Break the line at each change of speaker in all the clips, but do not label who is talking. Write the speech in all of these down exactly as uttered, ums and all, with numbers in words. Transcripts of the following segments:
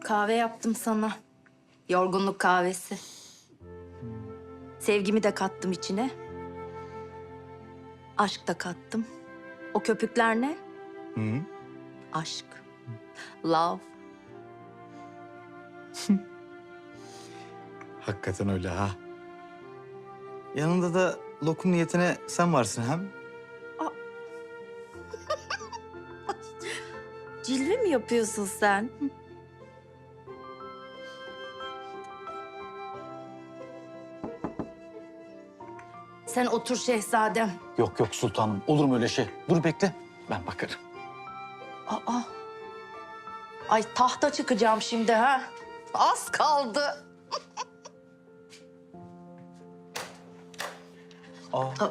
Kahve yaptım sana. Yorgunluk kahvesi. Sevgimi de kattım içine. Aşk da kattım. O köpükler ne?
Hı.
Aşk. Love.
Hakikaten öyle ha. Yanında da lokum niyetine sen varsın hem.
Cilve mi yapıyorsun sen? Sen otur şehzadem.
Yok yok sultanım. Olur mu öyle şey? Dur bekle. Ben bakarım.
Aa. Ay tahta çıkacağım şimdi ha. Az kaldı.
Aa.
Aa.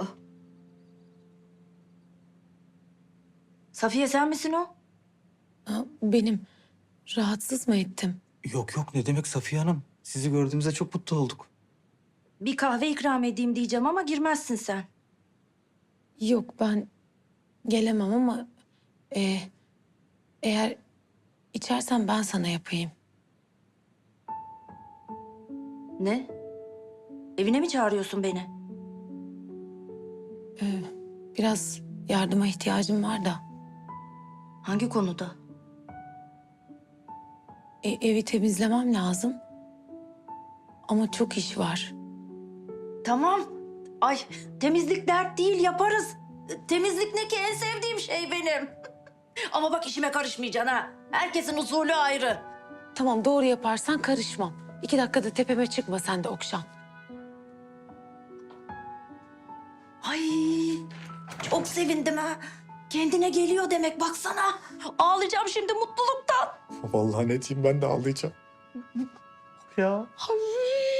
Safiye sen misin o?
Ha, benim. Rahatsız mı ettim?
Yok yok ne demek Safiye Hanım. Sizi gördüğümüzde çok mutlu olduk.
Bir kahve ikram edeyim diyeceğim ama girmezsin sen.
Yok ben gelemem ama e, eğer içersen ben sana yapayım.
Ne? Evine mi çağırıyorsun beni?
E, biraz yardıma ihtiyacım var da.
Hangi konuda?
E, evi temizlemem lazım. Ama çok iş var.
Tamam. Ay temizlik dert değil yaparız. Temizlik ne ki en sevdiğim şey benim. Ama bak işime karışmayacaksın ha. Herkesin usulü ayrı.
Tamam doğru yaparsan karışmam. İki dakikada tepeme çıkma sen de Okşan.
Ay çok sevindim ha. Kendine geliyor demek baksana. Ağlayacağım şimdi mutluluktan.
Vallahi ne diyeyim ben de ağlayacağım. ya.
Ay.